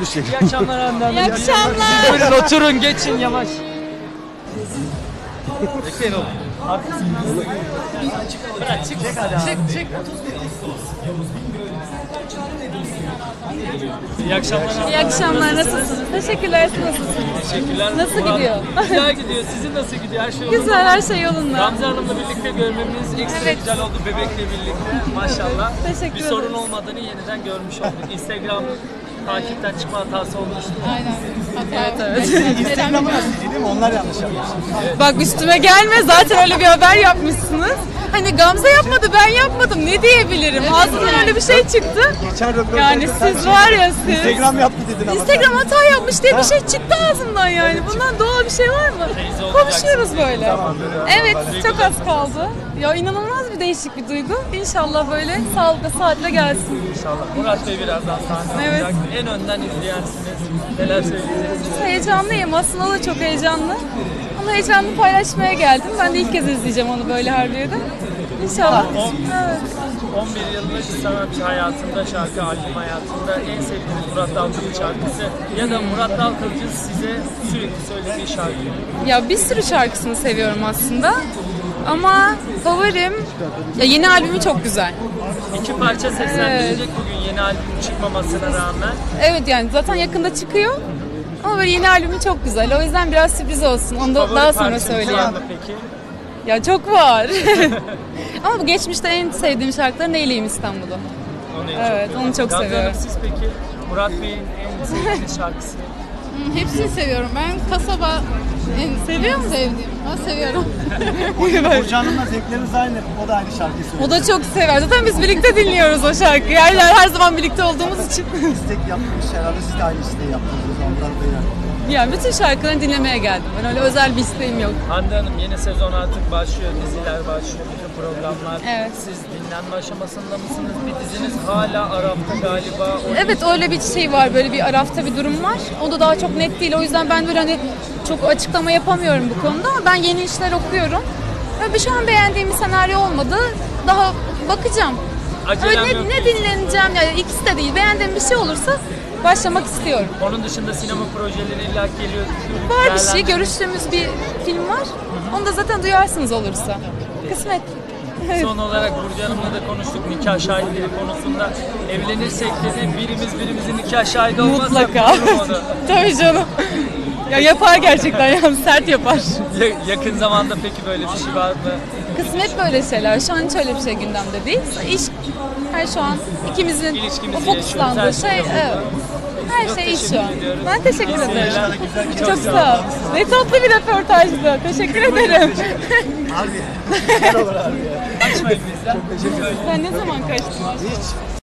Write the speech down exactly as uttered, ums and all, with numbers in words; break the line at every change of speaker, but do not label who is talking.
bir şey.
İyi akşamlar Hande Hanım.
İyi akşamlar.
Buyurun oturun, geçin yavaş. Bekleyin oğlum. Bırak çık. Çık çık. İyi akşamlar.
İyi akşamlar, nasılsınız? Teşekkürler, siz nasılsınız?
Teşekkürler.
Nasıl
Murat.
gidiyor?
Güzel gidiyor. Sizin nasıl gidiyor? Her şey yolunda.
Güzel, her şey yolunda.
Gamze Hanım'la birlikte görmemiz ekstra
Evet.
güzel oldu bebekle birlikte. Maşallah.
Teşekkür
Bir sorun
ederiz.
olmadığını yeniden görmüş olduk. Instagram takipten çıkma hatası olmuştu.
Aynen. Evet, evet.
Instagram'ı nasıl değil mi? Onlar yanlış yapmış.
Bak üstüme gelme, zaten öyle bir haber yapmışsınız. Hani Gamze yapmadı, ben yapmadım. Ne diyebilirim? Ağzından öyle bir şey çıktı.
Geçen röportajda
Yani
sen
siz
şey-
var ya siz.
Instagram yaptı dedin ama.
Instagram hata yapmış diye bir şey çıktı ağzımdan yani. Bundan doğal bir şey var mı?
Teyze
Konuşuyoruz böyle.
Tamam, böyle.
Evet, çok az kaldı. Ya inanılmaz bir değişik bir duygu. İnşallah böyle sağlıkla saatle gelsin.
İnşallah. Murat Bey birazdan sahnede
Evet.
olacak. En önden izleyensiniz. Neler söyleyeceksiniz?
Heyecanlıyım. Aslında o da çok heyecanlı. Ama heyecanını paylaşmaya geldim. Ben de ilk kez izleyeceğim onu böyle Harbiye'de. İnşallah.
On-
Evet.
on bir yıllık sanatçı hayatında, şarkı albüm hayatında en sevdiğiniz Murat Dalkılıç şarkısı ya da Murat Dalkılıç'ın size sürekli söylediği şarkı.
Ya bir sürü şarkısını seviyorum aslında. Ama favorim ya yeni albümü çok güzel.
İki parça seslendirecek bugün yeni albüm çıkmamasına rağmen.
Evet yani zaten yakında çıkıyor. Ama böyle yeni albümü çok güzel. O yüzden biraz sürpriz olsun. Onu da
Favori
daha sonra
parçanız var
söyleyeyim.
mı peki?
Ya çok var. Ama bu geçmişte en sevdiğim şarkılar Neyleyim İstanbul'u.
Onu en
Evet,
çok
onu çok
Gamze
seviyorum.
Hanım, siz peki Murat Bey'in en sevdiğiniz şarkısı?
Hepsini seviyorum. Ben kasaba en seviyor musun? Sevdiğim. Ben seviyorum.
Burcu Hanım'la zevklerimiz aynı. O da aynı şarkıyı söylüyor.
O da çok sever. Zaten biz birlikte dinliyoruz o şarkıyı. Her, her zaman birlikte olduğumuz için.
İstek yapmış herhalde. Siz de aynı isteği yaptınız. Ondan da yani.
Yani bütün şarkılarını dinlemeye geldim. Ben öyle özel bir isteğim yok.
Hande Hanım, yeni sezon artık başlıyor, diziler başlıyor, bütün programlar.
Evet.
Siz dinlenme aşamasında mısınız? Bir diziniz hala Arap'ta galiba. O
Evet öyle bir şey var. Böyle bir arafta bir durum var. O da daha çok net değil. O yüzden ben böyle hani çok açıklama yapamıyorum bu konuda. Ama ben yeni işler okuyorum. Ve şu an beğendiğim bir senaryo olmadı. Daha bakacağım.
Acelem
Öyle
yok
ne, ne dinleneceğim yani ikisi de değil. Beğendiğim bir şey olursa başlamak istiyorum.
Onun dışında sinema projeleri illa geliyor.
Var bir şey.
Değerlendirin.
Görüştüğümüz bir film var. Onu da zaten duyarsınız olursa. Kısmet.
Son olarak Burcu Hanım'la da konuştuk nikah şahitleri konusunda. Evlenirsek dedi birimiz birimizin nikah şahidi olmazsa
Mutlaka.
olur mu?
Tabii canım. Ya yapar gerçekten yani sert yapar.
Ya- yakın zamanda peki böyle bir şey var mı?
Kısmet böyle şeyler. Şu an hiç öyle bir şey gündemde değil. İş her şu an ikimizin
İlişkimizi
o fokuslandığı
yaşıyoruz, her
şey.
şey
Evet. Her
Çok
şey iş şu
teşekkür
an.
ediyoruz.
Ben teşekkür
İyi
ederim.
seyirler.
Çok sağ ol. Ne tatlı bir röportajdı. Teşekkür ederim.
Harbi. Güzel olur abi ya.
Kaçmayın bizden.
Sen ne zaman kaçtın?
Hiç.